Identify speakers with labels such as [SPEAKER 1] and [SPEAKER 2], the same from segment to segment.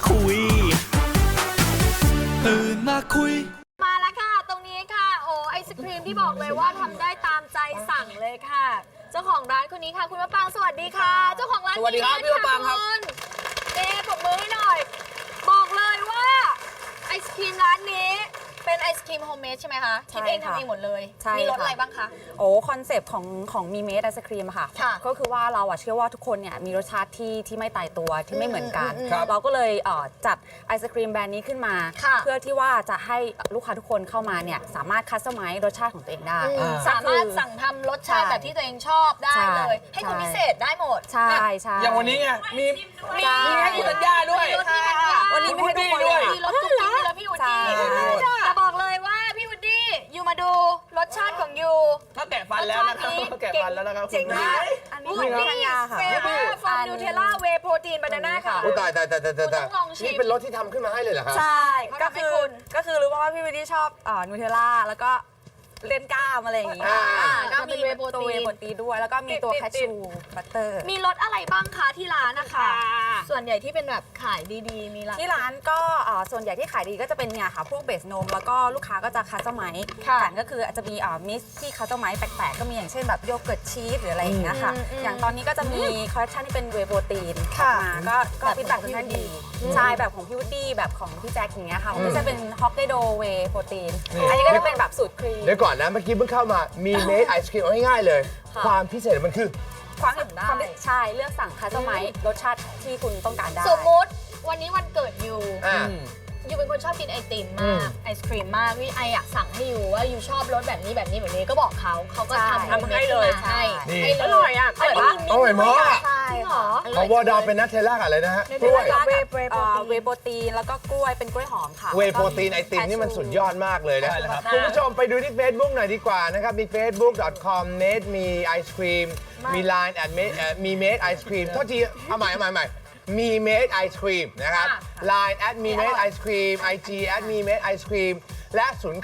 [SPEAKER 1] คุยตื่นมาคุย
[SPEAKER 2] มาแล้วค่ะตรงนี้ค่ะโอ้ไอศครีมที่บอกเลยว่าทำได้ตามใจสั่งเลยค่ะ เจ้าของร้านคนนี้ค่ะคุณมะปรางสวัสดีค่ะ เจ้าของร้าน
[SPEAKER 3] สวัสดีครับพี่มะปรางครับ
[SPEAKER 2] เอ๊ปรบมือให้หน่อยบอกเลยว่าไอศครีมร้านนี้เป็นไอศครีมโฮมเมดใช่ไหมคะคิดเองทำเองหมดเลยมีรสอะไรบ้างคะ
[SPEAKER 4] โอ้คอนเซปต์ของมีเมดไอศครีมค่ะก็คือว่าเราเชื่อว่าทุกคนเนี่ยมีรสชาติที่ไม่ตายตัวที่ไม่เหมือนกันเราก็เลยจัดไอศครีมแบรนด์นี้ขึ้นมาเพื่อที่ว่าจะให้ลูกค้าทุกคนเข้ามาเนี่ยสามารถคัสตอมไมซ์รสชาติของตัวเองได้
[SPEAKER 2] สามารถสั่งทำรสชาติแบบที่ตัวเองชอบได้เลยให้คนพิเศษได้หมด
[SPEAKER 4] ใช่ใช่
[SPEAKER 3] อย่างวันนี้ไงมีให้คุณธัญญาด้วย
[SPEAKER 4] วันนี้ไม่ให้ทุกคนเลย
[SPEAKER 2] มีรสกุ๊กกิ๊กมีรสพี่วุฒิแต่บอกเลยว่าพี่วุฒิยูมาดูรสชาติของยู
[SPEAKER 3] ถ้าแกะฟันแล้วนะครับแกะฟันแล้วนะครับ
[SPEAKER 2] เจ๋งมากอันนี้วุฒิเฟเวอร์ฟอร์มนูเทลล่าเวย์โปรตีนบานาน่าค่ะ
[SPEAKER 5] ตายนี่เป็นรสที่ทำขึ้นมาให้เลยเหรอครับ
[SPEAKER 4] ใช่ก็คือรู้ว่าพี่วินดี้ชอบนูเทลล่าแล้วก็เล่นกล้ามอะไรอย่างงี้
[SPEAKER 2] ก็มีเวย์โปร
[SPEAKER 4] ตีนด้วยแล้วก็มีตัวแคชชูบัตเตอร์
[SPEAKER 2] มีรสอะไรบ้างคะที่ร้านนะคะส่วนใหญ่ที่เป็นแบบขายดีๆมี
[SPEAKER 4] ที่ร้านก็ส่วนใหญ่ที่ขายดีก็จะเป็นเนี่ยค่ะพวกเบสนมแล้วก็ลูกค้าก็จะคัสตอมไมซ์แต่ก็คืออาจจะมีมิสที่คัสตอมไมซ์แปลกๆก็มีอย่างเช่นแบบโยเกิร์ตชีสหรืออะไรอย่างเงี้ยค่ะอย่างตอนนี้ก็จะมีคอลเลคชันที่เป็นเวย์โปรตีนมาก็ฟีดแบ็กค่อนข้างดีใช่แบบของพี่วูดดี้แบบของพี่แจ็คอย่างเงี้ยค่ะที่จะเป็นฮอกไกโดเวย์โปรตีนอันนี้ก็จะเป็นแบบสูตรครีม
[SPEAKER 5] เดี๋ยวก่อนนะเมื่อกี้เพิ่งเข้ามามีเมดไอศครีมง่ายๆเลยความพิเศษมันคือ
[SPEAKER 4] ความใช่เลือกสั่งคัสตอมไมซ์รสชาติที่คุณต้องการได้
[SPEAKER 2] สมมติวันนี้วันเกิดยูเป็นคนชอบกินไอติมมากไอศครีมมากพี่ไออยากสั่งให้ยูว่ายูชอบรสแบบนี้ก็บอกเขาก็ทำให้เลยให้
[SPEAKER 4] อร่อยอ่ะ
[SPEAKER 5] อร่อยมาก
[SPEAKER 4] ใช่หรอ
[SPEAKER 5] ของวอร์ดอเป็นนัทเทลล่าอะไรนะฮะ
[SPEAKER 4] กล้วยเวย์โปรตีนแล้วก็กล้วยเป็นกล้วยหอมค่ะ
[SPEAKER 5] เวย์โปรตีนไอติมนี่มันสุดยอดมากเลยนะครับคุณผู้ชมไปดูที่ Facebook หน่อยดีกว่านะครับมี facebook.com/made มีไอศครีมมี Line@ มี made ไอศครีมโทษทีเอาใหม่มีเมดไอศครีมนะครับ Line@ มีเมดไอศครีม IG@ มีเมดไอศครีมและ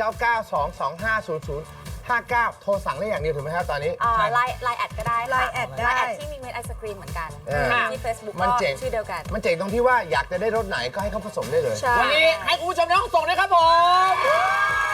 [SPEAKER 5] 0992250059 โทรสั่งได้อย่างเดียวถูกไหมครับตอนนี้
[SPEAKER 4] ไลน์แอดก็ได้ไลน์แอดที่มีเมดไอศครีมเหมือนกันที่ Facebook ก็ชื่อเดียวกัน
[SPEAKER 5] มันเจ๋งตรงที่ว่าอยากจะได้รสไหนก็ให้เขาผสมได้เลย
[SPEAKER 3] วันนี้ให้คุณผู้ชมในห้องส่งด้วยครับผม